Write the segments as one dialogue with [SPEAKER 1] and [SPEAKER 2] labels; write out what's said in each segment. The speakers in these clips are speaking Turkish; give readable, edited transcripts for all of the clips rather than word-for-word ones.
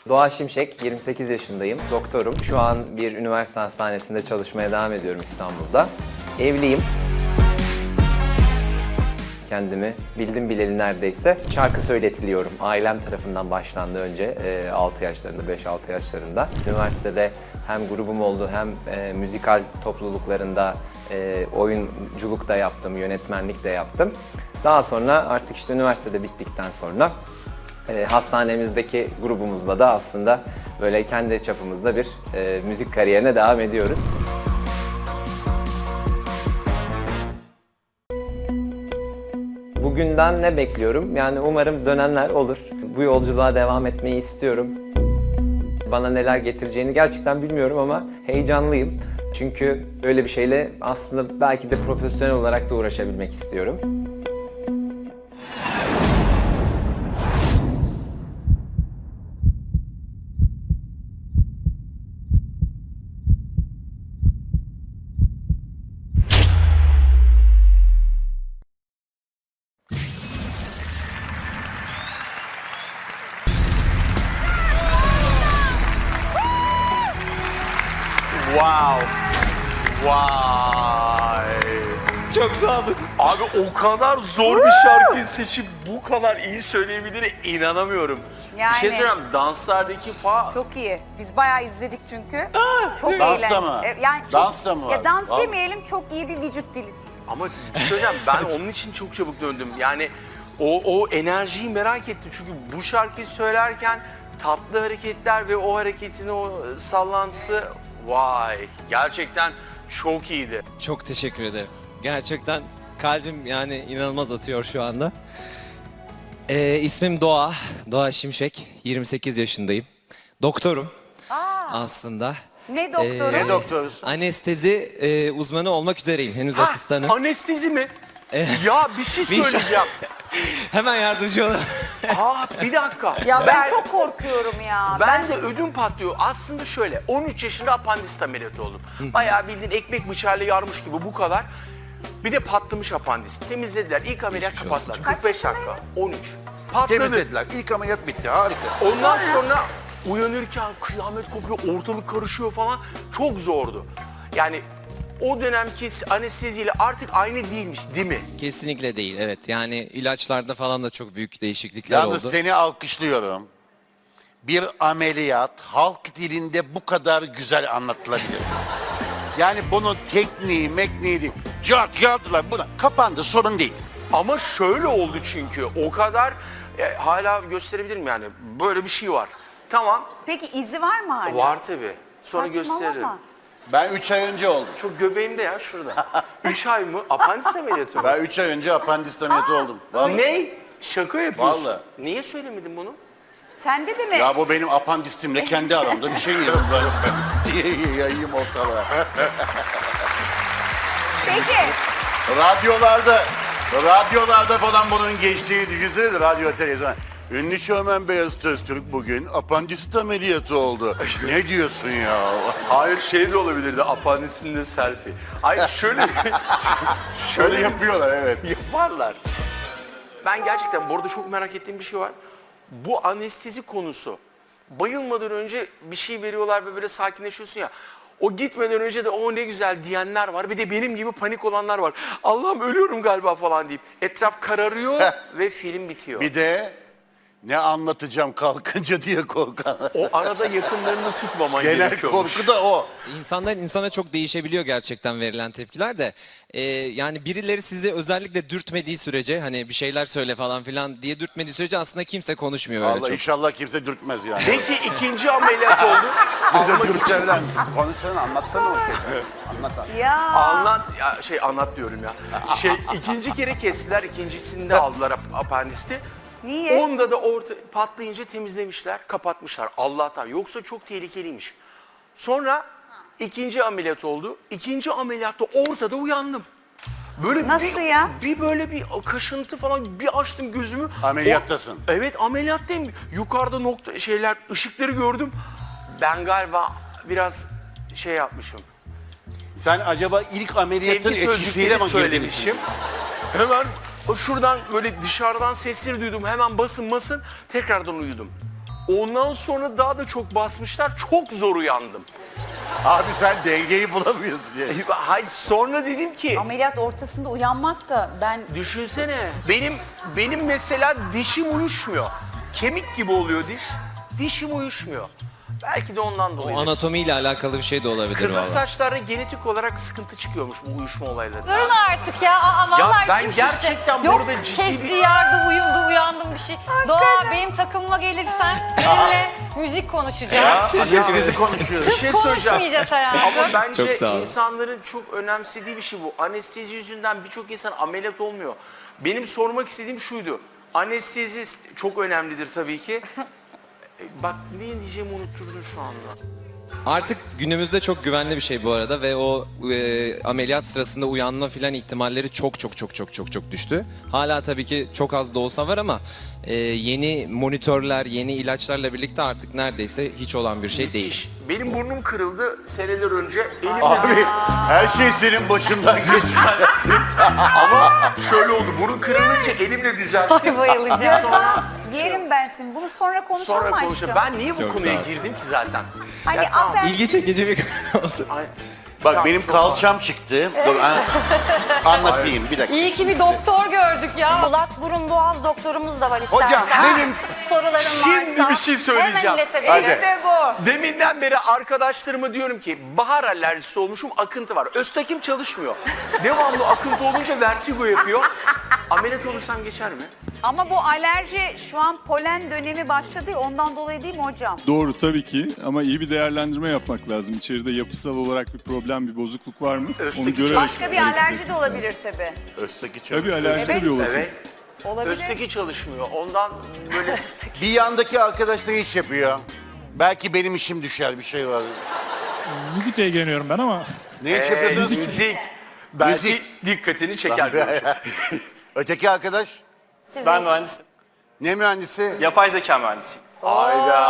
[SPEAKER 1] Doğa Şimşek, 28 yaşındayım, doktorum. Şu an bir üniversite hastanesinde çalışmaya devam ediyorum İstanbul'da. Evliyim. Kendimi bildim bileli neredeyse şarkı söyletiliyorum. Ailem tarafından başlandı önce 6 yaşlarında, 5-6 yaşlarında. Üniversitede hem grubum oldu hem müzikal topluluklarında oyunculuk da yaptım, yönetmenlik de yaptım. Daha sonra artık işte üniversitede bittikten sonra hastanemizdeki grubumuzla da aslında böyle kendi çapımızda bir müzik kariyerine devam ediyoruz. Bugünden ne bekliyorum? Yani umarım dönenler olur. Bu yolculuğa devam etmeyi istiyorum. Bana neler getireceğini gerçekten bilmiyorum ama heyecanlıyım. Çünkü öyle bir şeyle aslında belki de profesyonel olarak da uğraşabilmek istiyorum.
[SPEAKER 2] Wow. Vay.
[SPEAKER 1] Çok sağ olun.
[SPEAKER 2] Abi o kadar zor bir şarkıyı seçip bu kadar iyi söyleyebildiğine inanamıyorum.
[SPEAKER 3] Yani.
[SPEAKER 2] Bir şey söyleyeyim, danslardaki falan.
[SPEAKER 3] Çok iyi. Biz bayağı izledik çünkü. Çok
[SPEAKER 4] Dansta
[SPEAKER 3] eğlen-
[SPEAKER 4] mı?
[SPEAKER 3] Yani çok,
[SPEAKER 4] Dans da mı var?
[SPEAKER 3] Ya dans
[SPEAKER 4] Var.
[SPEAKER 3] demeyelim, çok iyi bir vücut dili.
[SPEAKER 2] Ama bir şey söyleyeceğim, ben onun için çok çabuk döndüm. Yani o enerjiyi merak ettim. Çünkü bu şarkıyı söylerken tatlı hareketler ve o hareketin o sallantısı, vay, gerçekten çok iyiydi.
[SPEAKER 5] Çok teşekkür ederim. Gerçekten kalbim yani inanılmaz atıyor şu anda. İsmim Doğa. Doğa Şimşek. 28 yaşındayım. Doktorum aslında.
[SPEAKER 3] Ne doktoru?
[SPEAKER 4] Ne doktoruz?
[SPEAKER 5] Anestezi uzmanı olmak üzereyim. Henüz asistanım.
[SPEAKER 2] Anestezi mi? Ya bir şey söyleyeceğim.
[SPEAKER 5] Hemen yardımcı olun.
[SPEAKER 2] Bir dakika.
[SPEAKER 3] Ya ben çok korkuyorum ya.
[SPEAKER 2] Ben de ödüm patlıyor. Aslında şöyle, 13 yaşında apandisit ameliyatı oldum. Bayağı bildiğin ekmek bıçağıyla yarmış gibi bu kadar. Bir de patlamış apandisit. Temizlediler. İlk ameliyat
[SPEAKER 5] Geçmiş olsun.
[SPEAKER 2] kapattılar. 45 dakika. 13. Patladı.
[SPEAKER 4] Temizlediler. İlk ameliyat bitti. Harika.
[SPEAKER 2] Ondan sonra uyanırken kıyamet kopuyor, ortalık karışıyor falan. Çok zordu. Yani o dönemki anesteziyle artık aynı değilmiş, değil mi?
[SPEAKER 5] Kesinlikle değil, evet. Yani ilaçlarda falan da çok büyük değişiklikler
[SPEAKER 4] Yalnız
[SPEAKER 5] oldu.
[SPEAKER 4] seni alkışlıyorum. Bir ameliyat halk dilinde bu kadar güzel anlatılabilir. Yani bunun tekniği, mekniği değil. Cart yardılar buna. Kapandı, sorun değil.
[SPEAKER 2] Ama şöyle oldu çünkü o kadar hala gösterebilirim yani böyle bir şey var. Tamam,
[SPEAKER 3] Peki izi var mı hala?
[SPEAKER 2] var tabii. Sonra
[SPEAKER 3] Saçmalama.
[SPEAKER 2] gösteririm.
[SPEAKER 4] Ben 3 ay önce oldum.
[SPEAKER 2] Çok göbeğimde ya şurada. 3 ay mı? Apandis ameliyatı mı?
[SPEAKER 4] Ben 3 ay önce apandisit ameliyatı oldum. Vallahi.
[SPEAKER 2] Ne? Şaka yapıyorsun.
[SPEAKER 4] Vallahi.
[SPEAKER 2] Niye söylemedin bunu?
[SPEAKER 3] Sende de mi?
[SPEAKER 4] Ya bu benim apandistimle kendi aramda bir şey yedim böyle. Yayayım ortalığa.
[SPEAKER 3] Peki.
[SPEAKER 4] Radyolarda falan bunun geçtiğini düşünsenize, radyo televizyon. Ünlü şovmen Beyaz Öztürk bugün apandisit ameliyatı oldu. Ne diyorsun ya?
[SPEAKER 2] Hayır, şey de olabilirdi, apandisinde selfie. Hayır şöyle...
[SPEAKER 4] Şöyle yapıyorlar, evet.
[SPEAKER 2] Yaparlar. Ben gerçekten bu arada çok merak ettiğim bir şey var. Bu anestezi konusu. Bayılmadan önce bir şey veriyorlar ve böyle sakinleşiyorsun ya. O gitmeden önce de o ne güzel diyenler var. Bir de benim gibi panik olanlar var. Allah'ım ölüyorum galiba falan deyip. Etraf kararıyor ve film bitiyor.
[SPEAKER 4] Bir de ne anlatacağım kalkınca diye korkan.
[SPEAKER 2] O arada yakınlarını tutmaman
[SPEAKER 4] Genel
[SPEAKER 2] gerekiyormuş.
[SPEAKER 4] korku da o.
[SPEAKER 5] İnsandan insana çok değişebiliyor gerçekten verilen tepkiler de. Yani birileri sizi özellikle dürtmediği sürece, hani bir şeyler söyle falan filan diye dürtmediği sürece aslında kimse konuşmuyor öyle
[SPEAKER 4] Allah
[SPEAKER 5] çok.
[SPEAKER 4] inşallah kimse dürtmez yani.
[SPEAKER 2] Peki ikinci ameliyat oldu.
[SPEAKER 4] Bize
[SPEAKER 2] Almak için-
[SPEAKER 4] dürterler. Konuşsana, anlatsana o kez. Anlat.
[SPEAKER 3] Ya.
[SPEAKER 2] Anlat, anlat diyorum ya. İkinci kere kestiler, ikincisinde aldılar apandisti.
[SPEAKER 3] Niye?
[SPEAKER 2] Onda da patlayınca temizlemişler, kapatmışlar Allah'tan. Yoksa çok tehlikeliymiş. Sonra ikinci ameliyat oldu. İkinci ameliyatta ortada uyandım. Böyle
[SPEAKER 3] Nasıl ya?
[SPEAKER 2] Bir böyle bir kaşıntı falan, bir açtım gözümü.
[SPEAKER 4] Ameliyattasın.
[SPEAKER 2] Evet, ameliyattayım. Yukarıda ışıkları gördüm. Ben galiba biraz şey yapmışım.
[SPEAKER 4] Sen acaba ilk ameliyatın
[SPEAKER 2] Sevgi
[SPEAKER 4] etkisiyle
[SPEAKER 2] sözcükleri
[SPEAKER 4] mi
[SPEAKER 2] söylemişim. Hemen şuradan böyle dışarıdan sesleri duydum. Hemen basın tekrardan uyudum. Ondan sonra daha da çok basmışlar. Çok zor uyandım.
[SPEAKER 4] Abi sen dengeyi bulamıyorsun ya.
[SPEAKER 2] Hayır, sonra dedim ki
[SPEAKER 3] Ameliyat ortasında uyanmak da ben
[SPEAKER 2] düşünsene. Benim mesela dişim uyuşmuyor. Kemik gibi oluyor diş. Dişim uyuşmuyor. Belki de ondan dolayı.
[SPEAKER 5] O anatomiyle alakalı bir şey de olabilir
[SPEAKER 2] Kızıl
[SPEAKER 5] valla.
[SPEAKER 2] saçlarda genetik olarak sıkıntı çıkıyormuş bu uyuşma olayları.
[SPEAKER 6] Durun artık ya. Aa, vallahi
[SPEAKER 2] ben
[SPEAKER 6] içim şişti.
[SPEAKER 2] gerçekten
[SPEAKER 6] Yok,
[SPEAKER 2] burada ciddi
[SPEAKER 6] kesti,
[SPEAKER 2] bir-
[SPEAKER 6] yardı, uyudu, uyandım bir şey. Doğa benim takımıma gelirsen seninle müzik konuşacağız.
[SPEAKER 4] Bizi konuşuyoruz.
[SPEAKER 2] Bir şey söyleyeceğim.
[SPEAKER 6] Konuşmayacağız hayatım.
[SPEAKER 2] Ama bence
[SPEAKER 5] Çok sağ ol.
[SPEAKER 2] insanların çok önemsediği bir şey bu. Anestezi yüzünden birçok insan ameliyat olmuyor. Benim sormak istediğim şuydu. Anestezi çok önemlidir tabii ki. Bak ne diyeceğimi unutturdun şu anda.
[SPEAKER 5] Artık günümüzde çok güvenli bir şey bu arada ve o ameliyat sırasında uyanma filan ihtimalleri çok düştü. Hala tabii ki çok az da olsa var ama yeni monitörler, yeni ilaçlarla birlikte artık neredeyse hiç olan bir şey değil.
[SPEAKER 2] İş. Benim burnum kırıldı seneler önce. Elimle
[SPEAKER 4] Abi her şey senin başından geçti.
[SPEAKER 2] ama şöyle oldu. Burun kırılınca elimle düzelttim.
[SPEAKER 6] Ay bayılacağım.
[SPEAKER 2] Sonra
[SPEAKER 3] yerim ben seni. Bunu sonra konuşalım
[SPEAKER 2] sonra
[SPEAKER 3] aşkım.
[SPEAKER 2] konuşalım. Ben niye bu
[SPEAKER 5] Çok
[SPEAKER 2] konuya
[SPEAKER 5] sağ ol.
[SPEAKER 2] girdim ki zaten?
[SPEAKER 3] Hani
[SPEAKER 2] Ya tamam.
[SPEAKER 3] aferin.
[SPEAKER 5] İlgi çekici bir konu oldu.
[SPEAKER 2] Ay,
[SPEAKER 4] Bak
[SPEAKER 2] tamam,
[SPEAKER 4] benim
[SPEAKER 2] çok
[SPEAKER 4] kalçam çıktı. Dur, anlatayım bir dakika.
[SPEAKER 6] İyi ki bir doktor gördük ya. Kulak, burun, boğaz doktorumuz da var istersen.
[SPEAKER 4] Hocam, benim-
[SPEAKER 6] soruların
[SPEAKER 2] Şimdi
[SPEAKER 6] varsa
[SPEAKER 2] bir şey söyleyeceğim.
[SPEAKER 6] hemen
[SPEAKER 4] Hadi.
[SPEAKER 6] iletebiliriz.
[SPEAKER 3] İşte bu.
[SPEAKER 2] Deminden beri arkadaşlarıma diyorum ki bahar alerjisi olmuşum, akıntı var. Öztakim çalışmıyor. Devamlı akıntı olunca vertigo yapıyor. Ameliyat olursam geçer mi?
[SPEAKER 3] Ama bu alerji şu an polen dönemi başladı ya, ondan dolayı değil mi hocam?
[SPEAKER 7] Doğru tabii ki ama iyi bir değerlendirme yapmak lazım. İçeride yapısal olarak bir problem, bir bozukluk var mı?
[SPEAKER 2] Özteki
[SPEAKER 7] görerek
[SPEAKER 3] Başka bir
[SPEAKER 7] hareket
[SPEAKER 3] alerji
[SPEAKER 7] etmek
[SPEAKER 3] de
[SPEAKER 7] lazım.
[SPEAKER 3] olabilir tabii.
[SPEAKER 4] Özteki
[SPEAKER 7] Tabii alerji de
[SPEAKER 3] Evet,
[SPEAKER 7] bir olasılık.
[SPEAKER 2] Evet.
[SPEAKER 3] Olabilir.
[SPEAKER 2] Özteki çalışmıyor. Ondan böyle
[SPEAKER 4] Bir yandaki arkadaş da iş yapıyor. Belki benim işim düşer bir şey var.
[SPEAKER 8] Müzikle ilgileniyorum ben ama
[SPEAKER 4] Ne iş yapıyorsunuz?
[SPEAKER 2] müzik. Belki
[SPEAKER 4] Müzik.
[SPEAKER 2] dikkatini çeker. görüşüm.
[SPEAKER 4] Öteki arkadaş
[SPEAKER 9] Ben mühendisim.
[SPEAKER 4] ne mühendisi?
[SPEAKER 9] Yapay zeka mühendisiyim.
[SPEAKER 2] Hayda.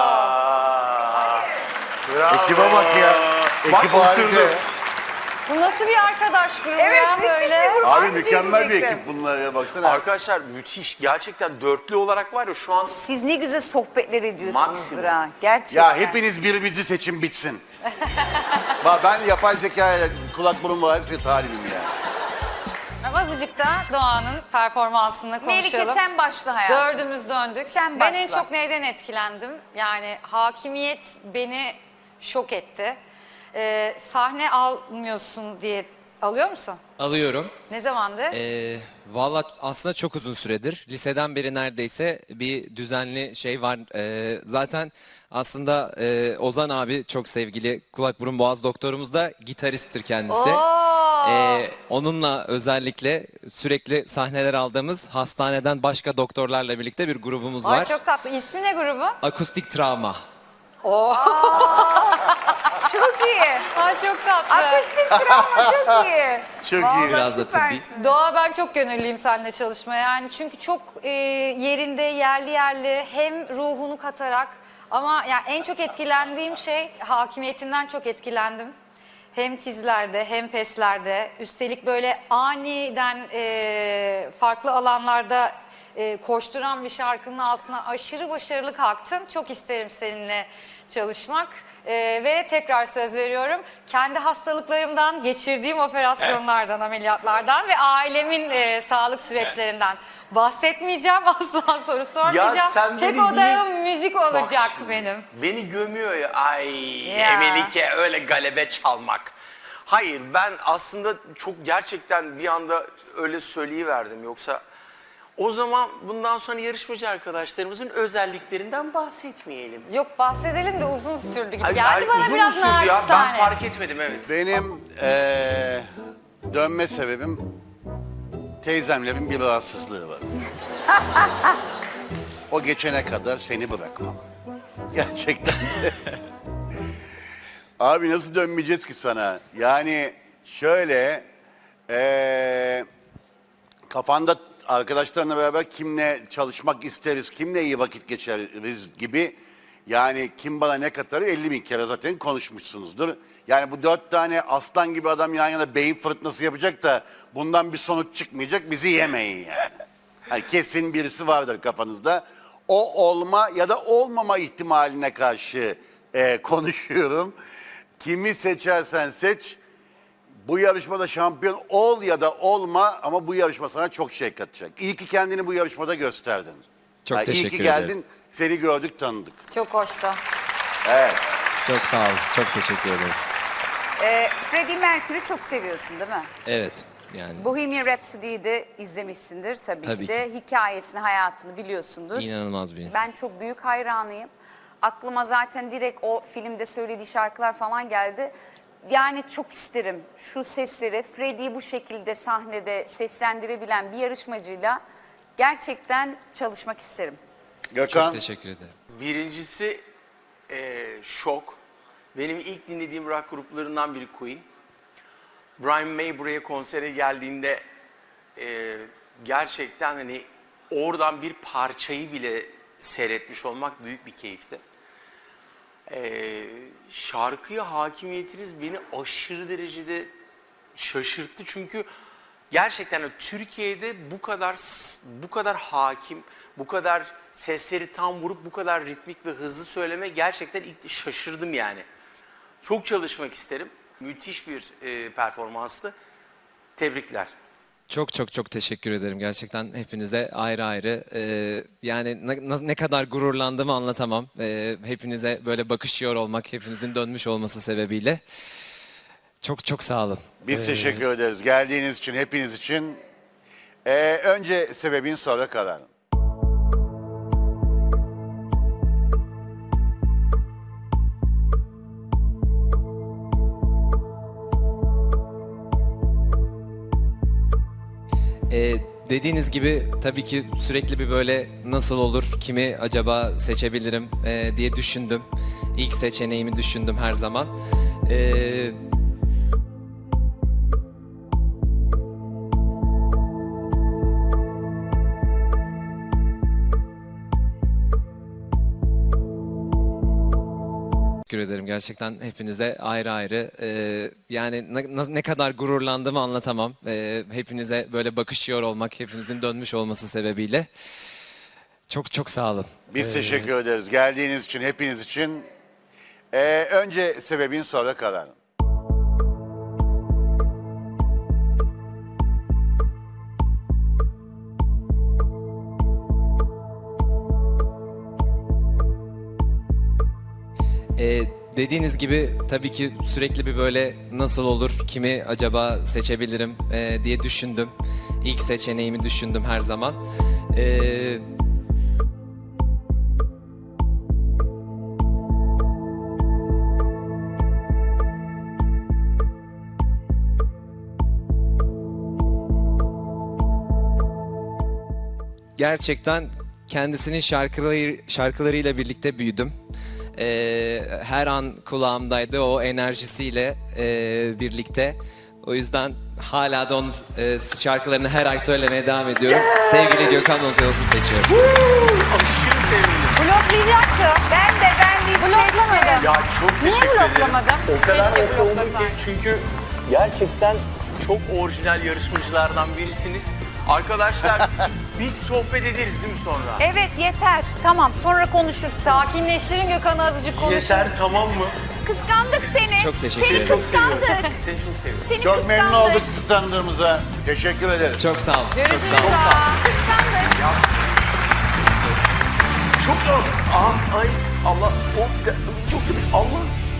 [SPEAKER 2] Bravo.
[SPEAKER 4] Ekibe bak ya.
[SPEAKER 2] Bak,
[SPEAKER 4] Ekip harika.
[SPEAKER 2] oturdu.
[SPEAKER 6] Bu nasıl bir arkadaş grubu
[SPEAKER 3] Evet,
[SPEAKER 6] ya
[SPEAKER 3] müthiş
[SPEAKER 6] böyle?
[SPEAKER 3] bir grup.
[SPEAKER 4] Abi
[SPEAKER 3] Aynı şeyi
[SPEAKER 4] mükemmel bir
[SPEAKER 3] diyecektim.
[SPEAKER 4] ekip bunlar ya baksana.
[SPEAKER 2] Arkadaşlar müthiş. Gerçekten dörtlü olarak var ya şu an
[SPEAKER 3] Siz ne güzel sohbetler ediyorsunuzdur
[SPEAKER 2] Maksimum.
[SPEAKER 3] ha. Gerçekten.
[SPEAKER 4] Ya hepiniz birbirinizi seçin bitsin. Bak ben yapay zekayla kulak burun var hepsi talibim ya.
[SPEAKER 6] Azıcık da Doğan'ın performansını konuşalım.
[SPEAKER 3] Melike sen başla hayatım.
[SPEAKER 6] Dördümüz döndük.
[SPEAKER 3] Sen
[SPEAKER 6] ben en
[SPEAKER 3] başla.
[SPEAKER 6] çok neyden etkilendim? Yani hakimiyet beni şok etti. Sahne almıyorsun diye alıyor musun?
[SPEAKER 5] Alıyorum.
[SPEAKER 6] Ne zamandır?
[SPEAKER 5] Valla aslında çok uzun süredir. Liseden beri neredeyse bir düzenli şey var. Zaten aslında Ozan abi çok sevgili kulak burun boğaz doktorumuz da gitaristtir kendisi. Onunla özellikle sürekli sahneler aldığımız hastaneden başka doktorlarla birlikte bir grubumuz
[SPEAKER 6] Ay
[SPEAKER 5] var.
[SPEAKER 6] çok tatlı. İsmi ne grubun?
[SPEAKER 5] Akustik travma.
[SPEAKER 3] Çok iyi.
[SPEAKER 6] Ay çok tatlı.
[SPEAKER 3] Akustik travma çok iyi.
[SPEAKER 4] Çok iyi.
[SPEAKER 3] Vallahi
[SPEAKER 5] Biraz da tıbbi.
[SPEAKER 3] süpersin.
[SPEAKER 6] Doğa ben çok gönüllüyüm seninle çalışmaya. Yani çünkü çok yerinde, yerli hem ruhunu katarak ama yani en çok etkilendiğim şey hakimiyetinden çok etkilendim. Hem tizlerde hem peslerde üstelik böyle aniden farklı alanlarda koşturan bir şarkının altına aşırı başarılı kalktın. Çok isterim seninle çalışmak. Ve tekrar söz veriyorum, kendi hastalıklarımdan, geçirdiğim operasyonlardan, ameliyatlardan ve ailemin sağlık süreçlerinden bahsetmeyeceğim. Asla soru sormayacağım.
[SPEAKER 2] Ya sen
[SPEAKER 6] Tek
[SPEAKER 2] beni
[SPEAKER 6] odağım
[SPEAKER 2] niye-
[SPEAKER 6] müzik
[SPEAKER 2] Bak
[SPEAKER 6] olacak
[SPEAKER 2] şimdi,
[SPEAKER 6] benim.
[SPEAKER 2] Beni gömüyor ya. Ay
[SPEAKER 3] Ya.
[SPEAKER 2] Melike öyle galebe çalmak. Hayır ben aslında çok gerçekten bir anda öyle söyleyiverdim. Yoksa o zaman bundan sonra yarışmacı arkadaşlarımızın özelliklerinden bahsetmeyelim.
[SPEAKER 6] Yok bahsedelim de uzun sürdü gibi
[SPEAKER 2] Ay,
[SPEAKER 6] geldi
[SPEAKER 2] ay,
[SPEAKER 6] bana
[SPEAKER 2] uzun
[SPEAKER 6] biraz
[SPEAKER 2] sürdü ya. Ben
[SPEAKER 6] naçizane.
[SPEAKER 2] fark etmedim evet.
[SPEAKER 4] Benim dönme sebebim teyzemlerin bir rahatsızlığı var. O geçene kadar seni bırakmam. Gerçekten de. Abi nasıl dönmeyeceğiz ki sana? Yani şöyle kafanda arkadaşlarla beraber kimle çalışmak isteriz, kimle iyi vakit geçiririz gibi yani kim bana ne katarı 50 bin kere zaten konuşmuşsunuzdur. Yani bu 4 tane aslan gibi adam yan yana beyin fırtınası yapacak da bundan bir sonuç çıkmayacak bizi yemeyin yani. Hani kesin birisi vardır kafanızda. o olma ya da olmama ihtimaline karşı konuşuyorum. Kimi seçersen seç, bu yarışmada şampiyon ol ya da olma ama bu yarışma sana çok şey katacak. İyi ki kendini bu yarışmada gösterdin.
[SPEAKER 5] Çok
[SPEAKER 4] İyi
[SPEAKER 5] teşekkür
[SPEAKER 4] ki
[SPEAKER 5] ederim.
[SPEAKER 4] geldin, seni gördük, tanıdık.
[SPEAKER 6] Çok hoştu.
[SPEAKER 4] Evet.
[SPEAKER 5] Çok sağ olun. Çok teşekkür ederim.
[SPEAKER 3] Freddie Mercury çok seviyorsun değil mi?
[SPEAKER 5] Evet. Yani
[SPEAKER 3] Bohemian Rhapsody'yi de izlemişsindir tabii,
[SPEAKER 5] Tabii
[SPEAKER 3] ki de. Hikayesini, hayatını biliyorsundur.
[SPEAKER 5] inanılmaz bir insan.
[SPEAKER 3] Ben çok büyük hayranıyım. Aklıma zaten direkt o filmde söylediği şarkılar falan geldi. Yani çok isterim şu sesleri, Freddie'yi bu şekilde sahnede seslendirebilen bir yarışmacıyla gerçekten çalışmak isterim.
[SPEAKER 4] Gökhan,
[SPEAKER 5] Çok teşekkür ederim.
[SPEAKER 2] Birincisi şok. Benim ilk dinlediğim rock gruplarından biri Queen. Brian May buraya konsere geldiğinde gerçekten hani oradan bir parçayı bile seyretmiş olmak büyük bir keyifti. Şarkıya hakimiyetiniz beni aşırı derecede şaşırttı çünkü gerçekten Türkiye'de bu kadar hakim, bu kadar sesleri tam vurup bu kadar ritmik ve hızlı söyleme gerçekten ilk şaşırdım yani. Çok çalışmak isterim. Müthiş bir performanstı. Tebrikler.
[SPEAKER 5] Çok çok çok teşekkür ederim gerçekten hepinize ayrı ayrı. Yani ne kadar gururlandığımı anlatamam. Hepinize böyle bakışıyor olmak, hepinizin dönmüş olması sebebiyle. Çok çok sağ olun.
[SPEAKER 4] biz teşekkür ederiz. Geldiğiniz için, hepiniz için. Önce sebebin, sonra kararın.
[SPEAKER 5] Dediğiniz gibi tabii ki sürekli bir böyle nasıl olur, kimi acaba seçebilirim diye düşündüm. İlk seçeneğimi düşündüm her zaman. Teşekkür ederim gerçekten hepinize ayrı ayrı. Yani ne kadar gururlandığımı anlatamam. Hepinize böyle bakışıyor olmak, hepinizin dönmüş olması sebebiyle. Çok çok sağ olun.
[SPEAKER 4] Biz teşekkür ederiz. Geldiğiniz için, hepiniz için. Önce sebebin, sonra kararın.
[SPEAKER 5] Dediğiniz gibi tabii ki sürekli bir böyle nasıl olur, kimi acaba seçebilirim diye düşündüm. İlk seçeneğimi düşündüm her zaman. Gerçekten kendisinin şarkılarıyla birlikte büyüdüm. Her an kulağımdaydı o enerjisiyle birlikte. O yüzden hala da onun şarkılarını her ay söylemeye devam ediyorum. Sevgili Gökhan Özyolsuz'u seçiyorum.
[SPEAKER 2] Aşırı sevindim.
[SPEAKER 6] Bloklayacaktı.
[SPEAKER 3] Ben de
[SPEAKER 6] Bloklamadım.
[SPEAKER 2] Ya çok
[SPEAKER 6] Niye
[SPEAKER 2] teşekkür ederim.
[SPEAKER 6] bloklamadım?
[SPEAKER 2] O kadar
[SPEAKER 6] Keşke
[SPEAKER 2] mutlu oldum
[SPEAKER 6] bloklasan.
[SPEAKER 2] ki çünkü gerçekten çok orijinal yarışmacılardan birisiniz. Arkadaşlar biz sohbet ederiz değil mi sonra?
[SPEAKER 3] Evet yeter. Tamam sonra konuşuruz.
[SPEAKER 6] Sakinleştirin Gökhan'ı azıcık konuşun.
[SPEAKER 2] Yeter tamam mı?
[SPEAKER 3] Kıskandık seni.
[SPEAKER 5] Çok teşekkür
[SPEAKER 3] Seni
[SPEAKER 5] ederim.
[SPEAKER 2] Çok seviyorum.
[SPEAKER 3] kıskandık.
[SPEAKER 2] Seni çok seviyorum.
[SPEAKER 3] Seni
[SPEAKER 4] Çok memnun
[SPEAKER 3] kıskandık.
[SPEAKER 4] olduk sizi tanıdığımıza. Teşekkür ederiz.
[SPEAKER 5] Çok sağ olun. Çok
[SPEAKER 6] Görüşürüz.
[SPEAKER 5] sağ olun.
[SPEAKER 3] Kıskandık.
[SPEAKER 2] Çok zor. Ay Allah. Çok Allah.